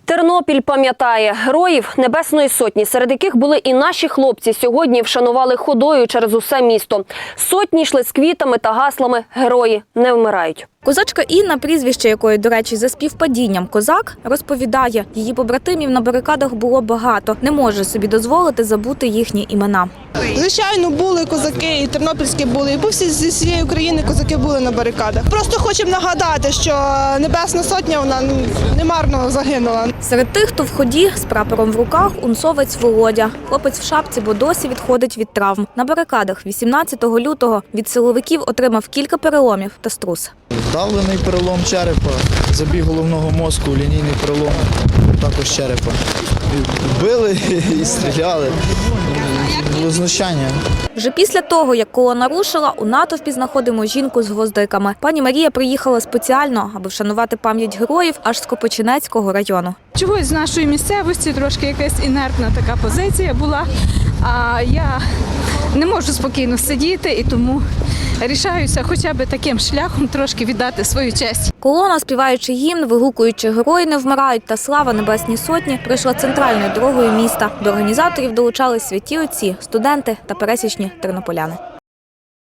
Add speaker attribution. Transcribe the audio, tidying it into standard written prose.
Speaker 1: Тернопіль пам'ятає героїв Небесної Сотні, серед яких були і наші хлопці. Сьогодні вшанували ходою через усе місто. Сотні йшли з квітами та гаслами «Герої не вмирають».
Speaker 2: Козачка Інна, прізвище якої, до речі, за співпадінням «Козак», розповідає, її побратимів на барикадах було багато. Не може собі дозволити забути їхні імена.
Speaker 3: Звичайно, були козаки, і тернопільські були, і по зі всієї України козаки були на барикадах. Просто хочемо нагадати, що Небесна Сотня, вона немарно загинула.
Speaker 2: Серед тих, хто в ході з прапором в руках, унцовець Володя. Хлопець в шапці, бо досі відходить від травм. На барикадах 18 лютого від силовиків отримав кілька переломів та струс.
Speaker 4: Вдавлений перелом черепа, забіг головного мозку, лінійний перелом також черепа. Били і стріляли. Було знущання.
Speaker 2: Вже після того, як колона рушила, у натовпі знаходимо жінку з гвоздиками. Пані Марія приїхала спеціально, аби вшанувати пам'ять героїв аж з Копичинецького району.
Speaker 5: Чогось з нашої місцевості трошки якась інертна така позиція була, а я не можу спокійно сидіти і тому рішаюся хоча б таким шляхом трошки віддати свою честь.
Speaker 2: Колона, співаючи гімн, вигукуючи «Герої не вмирають» та «Слава Небесній Сотні», прийшла центральною дорогою міста. До організаторів долучались святі отці, студенти та пересічні тернополяни.